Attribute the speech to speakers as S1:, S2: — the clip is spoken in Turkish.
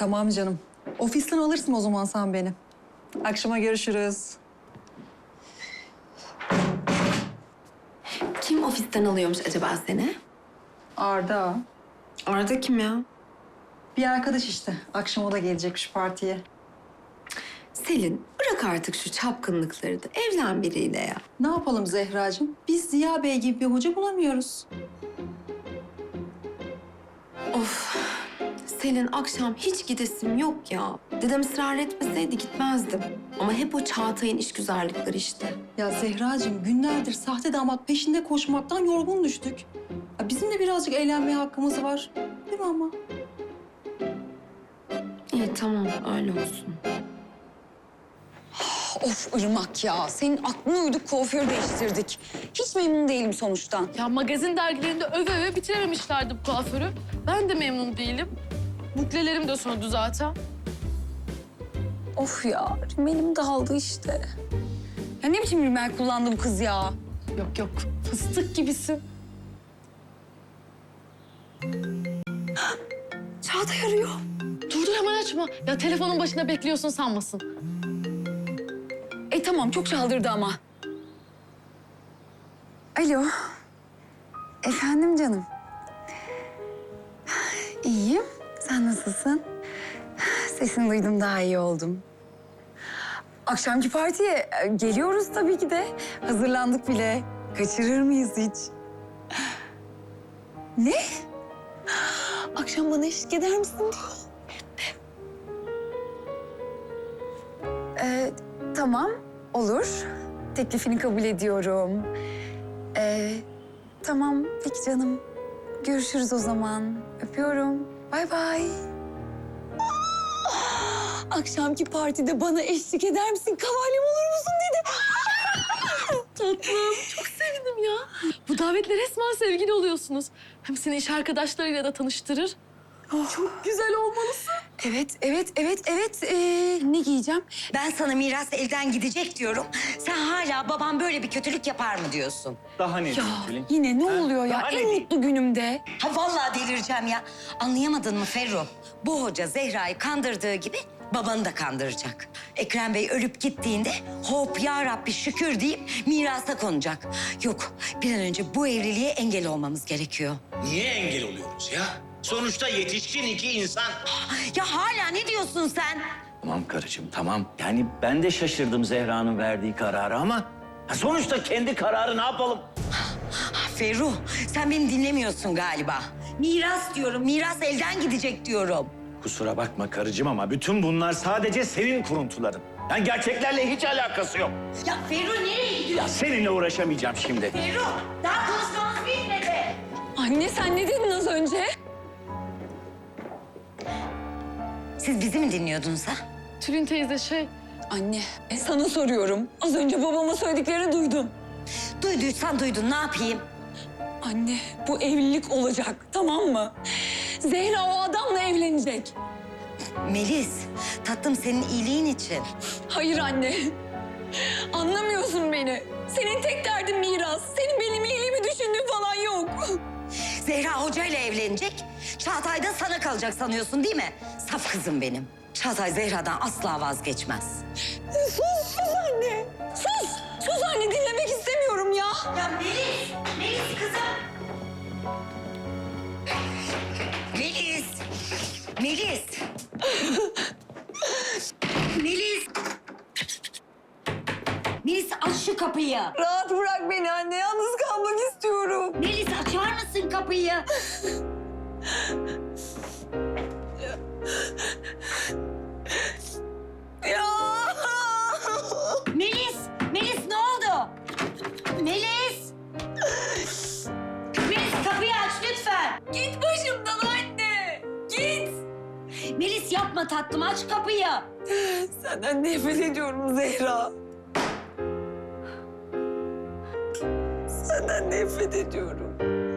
S1: Tamam canım. Ofisten alırsın o zaman sen beni. Akşama görüşürüz.
S2: Kim ofisten alıyormuş acaba seni?
S1: Arda.
S2: Arda kim ya?
S1: Bir arkadaş işte. Akşam o da gelecekmiş partiye.
S2: Selin, bırak artık şu çapkınlıkları da evlen biriyle ya.
S1: Ne yapalım Zehracığım? Biz Ziya Bey gibi bir hoca bulamıyoruz.
S2: Of, Selin akşam hiç gidesim yok ya. Dedem ısrar etmeseydi gitmezdim. Ama hep o Çağatay'ın işgüzarlıkları işte.
S1: Ya Zehracığım günlerdir sahte damat peşinde koşmaktan yorgun düştük. Ya bizim de birazcık eğlenmeye hakkımız var. Değil mi ama?
S2: İyi tamam, öyle olsun.
S3: Of Irmak ya. Senin aklına uyduk kuaför değiştirdik. Hiç memnun değilim sonuçtan.
S4: Ya magazin dergilerinde öve öve bitirememişlerdi bu kuaförü. Ben de memnun değilim. Buklelerim de söndü zaten.
S3: Of ya. Rimelim dağıldı işte. Ya ne biçim rimel kullandı bu kız ya?
S4: Yok yok, fıstık gibisin.
S3: Çağatay arıyor.
S4: Dur dur hemen açma. Ya telefonun başında bekliyorsun sanmasın.
S3: Tamam çok çaldırdı ama. Alo. Efendim canım. İyiyim. Sen nasılsın? Sesini duydum daha iyi oldum. Akşamki partiye geliyoruz tabii ki de. Hazırlandık bile. Kaçırır mıyız hiç? Ne? Akşam bana eşlik eder misin diyor. Tamam, olur. Teklifini kabul ediyorum. Tamam, peki canım. Görüşürüz o zaman. Öpüyorum. Bay bay. Akşamki partide bana eşlik eder misin? Kavalyem olur musun dedi.
S4: Tatlım, çok sevindim ya. Bu davetle resmen sevgili oluyorsunuz. Hem seni iş arkadaşlarıyla da tanıştırır. Çok güzel olmalısın.
S3: Evet. Ne giyeceğim?
S5: Ben sana miras elden gidecek diyorum. Sen hala babam böyle bir kötülük yapar mı diyorsun?
S6: Daha ne
S3: Ya
S6: Tülin?
S3: yine ne oluyor ya?
S6: Daha ne
S3: En
S6: diyeyim?
S3: mutlu günümde.
S5: Ha vallahi delireceğim ya. Anlayamadın mı Ferru? Bu hoca Zehra'yı kandırdığı gibi babanı da kandıracak. Ekrem Bey ölüp gittiğinde hop ya Rabbi şükür deyip mirasa konacak. Yok bir an önce bu evliliğe engel olmamız gerekiyor.
S7: Niye engel oluyoruz ya? Sonuçta yetişkin iki insan.
S5: Ya hala ne diyorsun sen?
S6: Tamam karıcığım tamam. Yani ben de şaşırdım Zehra'nın verdiği kararı ama... sonuçta kendi kararı ne yapalım?
S5: Ferru sen beni dinlemiyorsun galiba. Miras diyorum, miras elden gidecek diyorum.
S6: Kusura bakma karıcığım ama bütün bunlar sadece senin kuruntuların. Yani gerçeklerle hiç alakası yok.
S5: Ya Ferru nereye gidiyorsun?
S6: Ya seninle uğraşamayacağım şimdi.
S5: Ferru daha konuşmamız bitmedi.
S3: Anne sen ne dedin az önce?
S5: Siz bizi mi dinliyordunuz ha?
S4: Tülin teyze
S3: Anne sana soruyorum. Az önce babama söylediklerini duydum.
S5: Duyduysan duydun ne yapayım?
S3: Anne bu evlilik olacak tamam mı? Zehra o adamla evlenecek.
S5: Melis tatlım senin iyiliğin için.
S3: Hayır anne. Anlamıyorsun beni. Senin tek derdin miras. Senin benim iyiliğimi düşündüğün falan yok.
S5: Zehra Hoca ile evlenecek. Çağatay da sana kalacak sanıyorsun değil mi? Saf kızım benim. Çağatay Zehra'dan asla vazgeçmez.
S3: Sus anne. Sus anne dinlemek istemiyorum ya.
S5: Ya Melis kızım. Melis. Melis aç şu kapıyı.
S3: Rahat bırak beni anne. Yalnız kalmak istiyorum.
S5: Melis açar mısın kapıyı?
S3: Ya.
S5: Melis ne oldu? Melis kapıyı aç lütfen.
S3: Git başımdan anne. Git.
S5: Melis yapma tatlım aç kapıyı.
S3: Senden nefret ediyorum Zehra. Senden nefret ediyorum.